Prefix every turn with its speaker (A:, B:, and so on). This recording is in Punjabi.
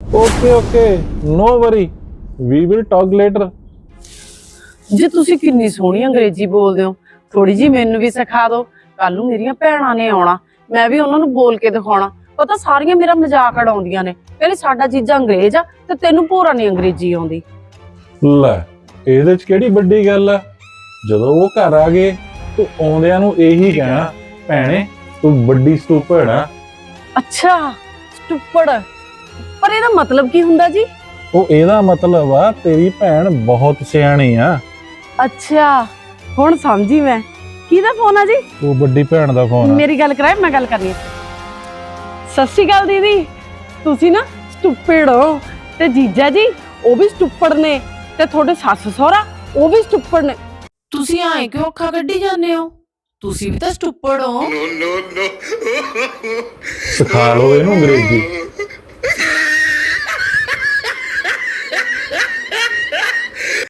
A: Okay okay no worry we will talk later.
B: जी तुसी किन्नी सोहनी अंग्रेजी बोलदे हो, थोड़ी जी मैनू भी सिखा दो। कल नूं मेरियां भैणां ने आउणा, मैं भी उन्हां नूं बोल के दिखाउणा। पता सारियां मेरा मजाक उड़ाउंदियां ने, कहंदे साडा जीजा अंग्रेज आ ते तैनूं भोरा नहीं अंग्रेजी आउंदी।
A: ਲੈ ਇਹਦੇ ਚ ਕਿਹੜੀ ਵੱਡੀ ਗੱਲ ਆ। ਜਦੋਂ ਉਹ ਘਰ ਆ ਗਏ ਤੂੰ ਆਉਂਦਿਆਂ ਨੂੰ ਇਹੀ ਕਹਿਣਾ, ਭੈਣੇ ਤੂੰ ਵੱਡੀ ਸਟੂਪਿਡ ਆ।
B: अच्छा स्टूपिड, पर ਇਹਦਾ मतलब ਕੀ ਹੁੰਦਾ ਜੀ?
A: ਉਹ ਇਹਦਾ ਮਤਲਬ ਆ ਤੇਰੀ ਭੈਣ ਬਹੁਤ ਸਿਆਣੀ ਆ।
B: अच्छा ਹੁਣ ਸਮਝੀ ਮੈਂ। ਕਿਹਦਾ ਫੋਨ ਆ ਜੀ?
A: ਉਹ ਵੱਡੀ ਭੈਣ ਦਾ ਫੋਨ ਆ।
B: ਮੇਰੀ ਗੱਲ ਕਰਾਏ, ਮੈਂ ਗੱਲ ਕਰਨੀ। ਸਤਿ ਸ਼੍ਰੀ ਅਕਾਲ ਦੀਦੀ। ਤੁਸੀਂ ਨਾ ਸਟੂਪਿਡ ਹੋ ਤੇ ਜੀਜਾ ਜੀ ਉਹ ਵੀ ਸਟੂਪਿਡ ਨੇ ਤੇ ਤੁਹਾਡੇ ਸੱਸ ਸਹੁਰਾ ਉਹ ਵੀ ਸਟੂਪਿਡ ਨੇ। ਤੁਸੀਂ ਐਂ ਕਿਉਂ ਅੱਖਾਂ ਕੱਢੀ ਜਾਂਦੇ ਹੋ? ਤੁਸੀਂ ਵੀ ਤਾਂ ਸਟੂਪਿਡ ਹੋ।
A: ਸਿਖਾ ਲਓ ਇਹਨੂੰ ਅੰਗਰੇਜ਼ੀ।